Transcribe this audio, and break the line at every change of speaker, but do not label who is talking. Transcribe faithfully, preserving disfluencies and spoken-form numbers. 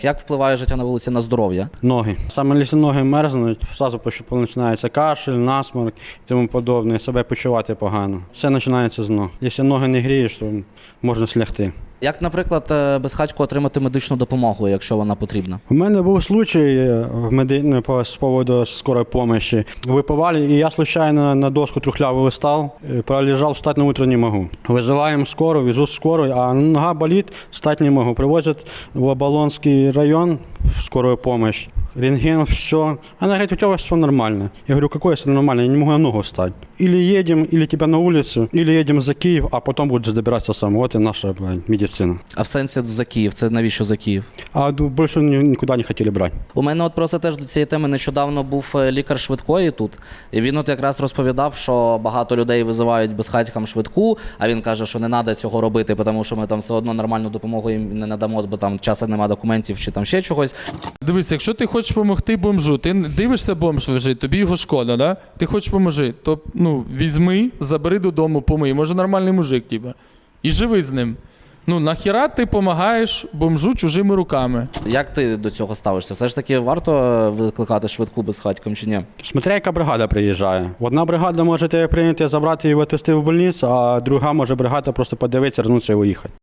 Як впливає життя на вулиці на здоров'я?
Ноги. Саме якщо ноги мерзнуть, одразу починається кашель, насморк і тому подобне, себе почувати погано. Все починається з ног. Якщо ноги не грієш, то можна слягти.
Як, наприклад, безхатьку отримати медичну допомогу, якщо вона потрібна?
У мене був случай в меди... по з поводу скорої допомоги. Випивали, і я случайно на доску трухлявый стал, пролежал, встать на утро не могу. Вызываем скорую, везут скорую, а нога болит, встать не могу. Привозят в Оболонский район в скорую помощь. Рентген, все. Она говорит, у тебя все нормально. Я говорю, какое все нормально? Я не могу на ногу встать. Или едем, или тебя на улицу, или едем за Киев, а потом будешь добираться сам. Вот и наша медицина.
А в сенсі за Київ? Це навіщо за Київ?
А больше никуда не хотели брать.
У мене от просто теж до цієї теми нещодавно був лікар швидкої тут. І він от якраз розповідав, що багато людей визивають безхатькам швидку, а він каже, що не треба цього робити, тому що ми там все одно нормальну допомогу їм не надамо, бо там часу немає документів чи там ще чогось.
Дивись, якщо ти хочеш допомогти бомжу, ти дивишся, бомж лежить, тобі його шкода, да? Ти хочеш поможи, то ну, візьми, забери додому, помий. Може нормальний мужик, типа. І живи з ним. Ну, нахіра ти допомагаєш бомжу чужими руками?
Як ти до цього ставишся? Все ж таки варто викликати швидку безхатькам чи ні?
Смотря яка бригада приїжджає. Одна бригада може тебе прийняти, забрати і відвезти в больницю, а друга може бригада просто подивитися, вернутися і уїхати.